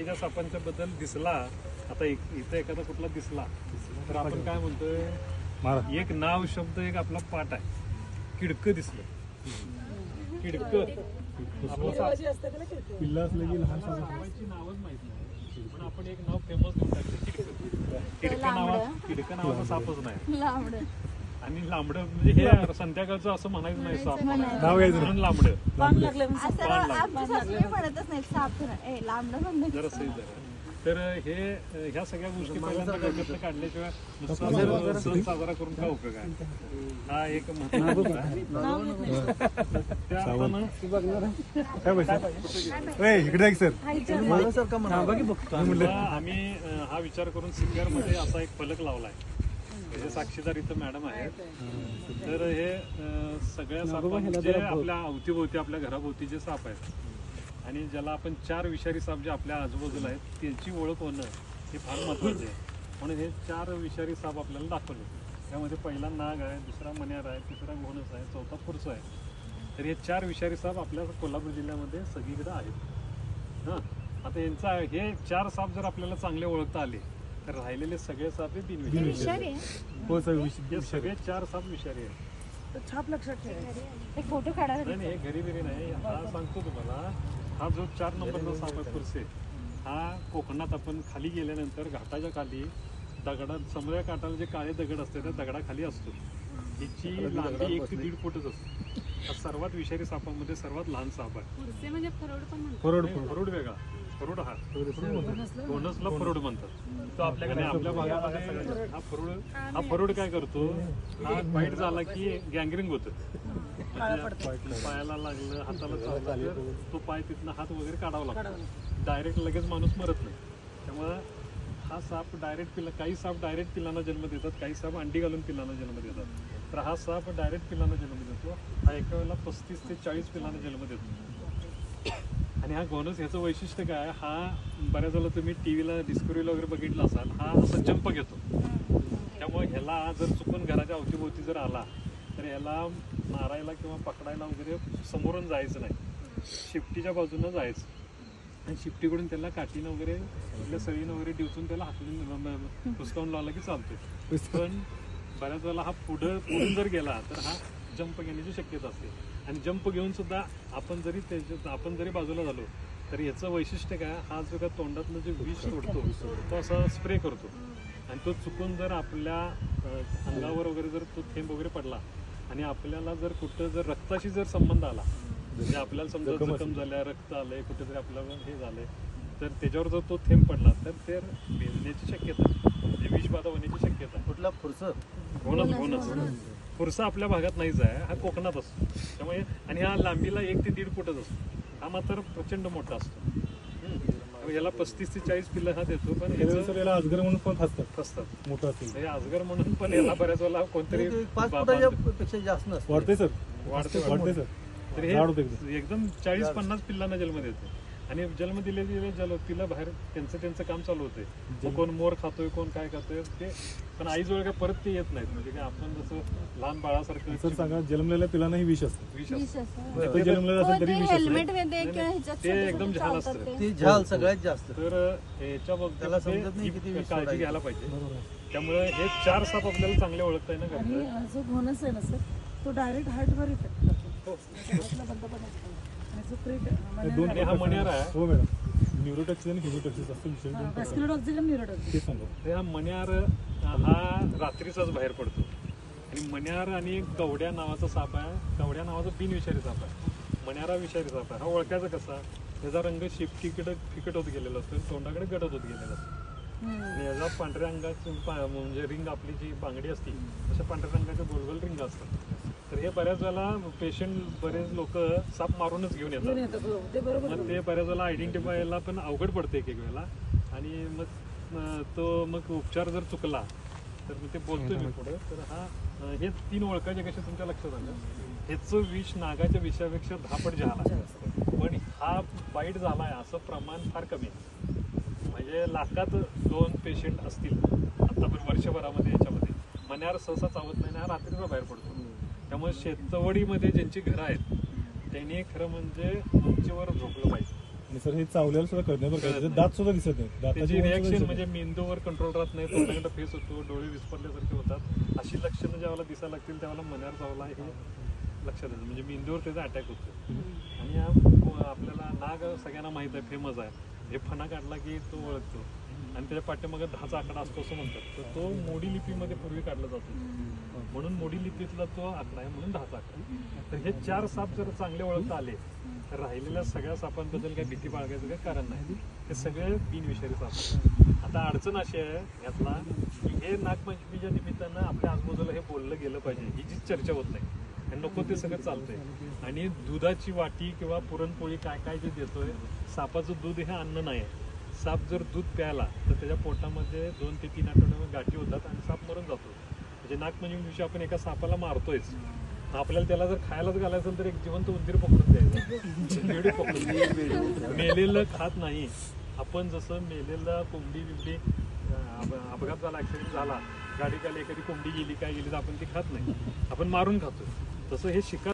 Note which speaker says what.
Speaker 1: बाकीच्या सापांच्या बद्दल दिसला, आता इथं एखादा कुठला दिसला तर आपण काय म्हणतोय, एक नाव शब्द एक आपला पाठ आहे, किडकं दिसलं, किडकं
Speaker 2: पिल्ला असलं की लहान
Speaker 1: सापाची नावच माहित नाही, पण आपण एक नाव फेमस देऊन टाकलं, किडकं नावाचा सापच नाही. आणि लांबडं म्हणजे हे संध्याकाळचं असं म्हणायचं नाही, साप नाव घ्यायचं म्हणून लांबडं जरा सही जरा. तर हे ह्या सगळ्या गोष्टी पहिल्यांदा डोक्यातनं काढल्याशिवाय नुसता सण साजरा करून काय उपयोग आहे. हा एक आम्ही हा विचार करून CPR मध्ये असा एक फलक लावलाय, त्याचे साक्षीदार इथं मॅडम आहेत. तर हे सगळ्या सापांचे जे आपल्या अवतीभोवती आपल्या घराभोवती जे साप आहेत आणि ज्याला आपण 4 विषारी साप जे आपल्या आजूबाजूला आहेत त्यांची ओळख होणं हे फार महत्त्वाचे आहे. म्हणून हे 4 विषारी साप आपल्याला दाखवले. त्यामध्ये पहिला नाग आहे, दुसरा मण्यार आहे, तिसरा घोणस आहे, चौथा फुरसा आहे. तर हे 4 विषारी साप आपल्या कोल्हापूर जिल्ह्यामध्ये सगळीकडे आहेत. हां, आता यांचा हे 4 साप जर आपल्याला चांगले ओळखता आले तर राहिलेले सगळे साप हे बिनविषारी आहेत. हे सगळे 4 साप विषारी आहेत.
Speaker 3: छाप लक्षात ठेवा, एक फोटो काढा.
Speaker 1: नाही, हे घरी बिरी नाही. हा सांगतो तुम्हाला, हा जो 4 नंबरचा साप आहे फुरसे, हा कोकणात आपण खाली गेल्यानंतर घाटाच्या खाली दगडात समुद्र काठाला जे काळे दगड असते त्या दगडाखाली असतो. हिची लांबी 1 ते 1.5 फूटच असते. हा सर्वात विषारी सापांमध्ये सर्वात लहान साप आहे.
Speaker 3: म्हणजे फरोड पण म्हणतात.
Speaker 1: फरोड वेगळा, फरोड हा घोणसला फरोड म्हणतात. तो आपल्याकडे आपल्या भागामध्ये हा फरोड काय करतो, हा बाईट झाला की गँग्रिंग होतं, पायाला लागलं, हाताला चावलं तर तो पाय तिथनं हात वगैरे काढावा लागतो. डायरेक्ट लगेच माणूस मरत नाही. त्यामुळं हा साप डायरेक्ट काही साप डायरेक्ट पिल्लांना जन्म देतात, काही साप अंडी घालून पिल्लांना जन्म देतात. तर हा साप डायरेक्ट पिल्लांना जन्म देतो. हा एका वेळेला 35 ते 40 पिल्लांना जन्म देतो. आणि हा घोणस ह्याचं वैशिष्ट्य काय, हा बऱ्याच वेळेला तुम्ही टीव्हीला डिस्कवरीला वगैरे बघितलं असाल, हा असा जंप घेतो. त्यामुळे ह्याला जर चुकून घराच्या अवतीभोवती जर आला तर याला मारायला किंवा पकडायला वगैरे समोरून जायचं नाही, शिफ्टीच्या बाजूनं जायचं. आणि शिफ्टीकडून त्याला काठीनं वगैरे आपल्या सळीनं वगैरे डिवचून त्याला हाकलून हुसकावून लावला की चालतो. पण बऱ्याच वेळेला हा पुढून जर गेला तर हा जंप घेण्याची शक्यता असते. आणि जंप घेऊन सुद्धा आपण जरी बाजूला झालो तर याचं वैशिष्ट्य काय, हा जो का तोंडातलं जे विष सोडतो तो असा स्प्रे करतो. आणि तो चुकून जर आपल्या अंगावर वगैरे जर तो थेंब वगैरे पडला आणि आपल्याला जर कुठं जर रक्ताशी जर संबंध आला, म्हणजे आपल्याला समजा जखम झाल्या, रक्त आलंय, कुठेतरी आपल्याला हे झालंय, तर त्याच्यावर जर तो थेंब पडला तर ते भिजण्याची शक्यता, म्हणजे विषबाधा होण्याची शक्यता.
Speaker 4: कुठला फुरसा?
Speaker 1: घोणस. फुरसा आपल्या भागात नाहीच आहे, हा कोकणात असतो. त्यामुळे आणि हा लांबीला 1 ते 1.5 फूटच असतो. हा मात्र प्रचंड मोठा असतो. याला 35 ते 40 पिल्लं हा देतो. पण
Speaker 2: याला अजगर म्हणून पण
Speaker 1: फसतात
Speaker 2: मोठा असतो.
Speaker 1: हे अजगर म्हणून पण याला बऱ्याच वेळेला कोणतरी
Speaker 4: 5 फुटाच्या पेक्षा जास्त नसतं.
Speaker 2: वाढते सर.
Speaker 1: तर हे एकदम 40-50 पिल्लांना जन्म देते. आणि जन्म दिले पिल्ला बाहेर त्यांचं काम चालू होतंय. कोण मोर खातोय, कोण काय खातोय ते, पण आईजवळ काय परत ते येत नाहीत. म्हणजे काय आपण जसं लहान बाळासारखं
Speaker 2: सर सांगा, जन्मलेल्या पिलांनाही विष असतं.
Speaker 1: विष असतं
Speaker 2: जन्मलेलं असेल तरी विष
Speaker 3: हेल्मेट
Speaker 1: ते एकदम झाल असतं.
Speaker 4: ते झाल सगळ्यात जास्त.
Speaker 1: तर ह्याच्या
Speaker 4: त्याला समजत नाही किती विष
Speaker 1: काळजी घ्यायला पाहिजे. त्यामुळे हे 4 साप आपल्याला चांगले ओळखता येणं
Speaker 3: आणि जो घोणस आहे ना सर, तो डायरेक्ट हार्टवर इफेक्ट करतो.
Speaker 1: आणि हा मण्यार आहे.
Speaker 2: हो मॅडम, न्यूरोटॉक्सिस आणि हिमोटॉक्सिस असं विषय सांगा.
Speaker 1: हा मण्यार हा रात्रीचाच बाहेर पडतो. आणि मण्यार आणि कवड्या नावाचा साप आहे. कवड्या नावाचा बिनविषारी साप आहे. मण्यारा विषारी साप आहे. हा ओळखायचा कसा, त्याचा रंग शिफ्टीकडे फिकट होत गेलेला असतो, तोंडाकडे गडद होत गेलेला असतो. आणि याला पांढऱ्या रंगाची म्हणजे रिंग आपली जी बांगडी असते अशा पांढऱ्या रंगाच्या गोलगोल रिंग असतात. तर हे बऱ्याच वेळेला बरेच लोक साप मारूनच घेऊन येतात. मग ते बऱ्याच वेळेला आयडेंटिफायला पण अवघड पडते एक वेळेला. आणि मग उपचार जर चुकला तर मग ते बोलतोय मी पुढे. तर हा हे 3 ओळखायचे कसे तुमच्या लक्षात आलं. ह्याचं विष नागाच्या विषापेक्षा 10 पट झाला, पण हा बाईट झालाय असं प्रमाण फार कमी आहे. म्हणजे लाखात 2 पेशंट असतील आता पण वर्षभरामध्ये. याच्यामध्ये मण्यार सहसा चावत नाही, हा रात्रीचा बाहेर पडतो. त्यामुळे शेतवडीमध्ये ज्यांची घरं आहेत त्यांनी खरं म्हणजे उंचीवर झोपलं पाहिजे.
Speaker 2: आणि सर हे चावल्याला सुद्धा कळत नाही बरं का त्याचे दात सुद्धा दिसत नाही
Speaker 1: त्याची
Speaker 2: दाताची
Speaker 1: रिॲक्शन म्हणजे मेंदूवर कंट्रोल राहत नाही, तोंडाकडे फेस होतो, डोळे विस्परल्यासारखे होतात. अशी लक्षणं ज्यावेळेला दिसायला लागतील त्यावेळेला मण्यार चावला हे लक्षात येतं, म्हणजे मेंदूवर त्याचा अटॅक होतो. आणि आपल्याला नाग सगळ्यांना माहित आहे, फेमस आहे. हे फणा काढला की तो ओळखतो आणि त्याच्या पाठीमागे 10चा आकडा असतो असं म्हणतात. तर तो मोडी लिपीमध्ये पूर्वी काढला जातो, म्हणून मोडी लिपीतला तो आकडा आहे, म्हणून 10चा आकडा. तर हे 4 साप जर चांगले ओळखता आले तर राहिलेल्या सगळ्या सापांबद्दल काही भीती बाळगायचं काही कारण नाही. हे सगळे बिनविषारी साप आहेत. आता अडचण अशी आहे यातला की हे नागपंचमीच्या निमित्तानं आपल्या आजूबाजूला हे बोललं गेलं पाहिजे, ही जी चर्चा होत नाही आणि नको ते सगळं चालतंय. आणि दुधाची वाटी किंवा पुरणपोळी काय काय जे देतोय, सापाचं दूध हे अन्न नाही आहे. साप जर दूध प्यायला तर त्याच्या पोटामध्ये 2 ते 3 आठवड्यामध्ये गाठी होतात आणि साप मरून जातो. म्हणजे नागपंचमी दिवशी आपण एका सापाला मारतोयच, आपल्याला त्याला जर खायलाच घालायचं असेल तर एक जिवंत उंदीर पकडून द्यायचं, बेडू पकडून द्यायचं. मेलेलं खात नाही आपण. जसं मेलेलं कोंबडी बिंबडी अपघात झाला, ऍक्सिडेंट झाला, गाडी खाली एखादी कोंबडी गेली काय गेली तर आपण ती खात नाही, आपण मारून खातो. तसं हे शिकार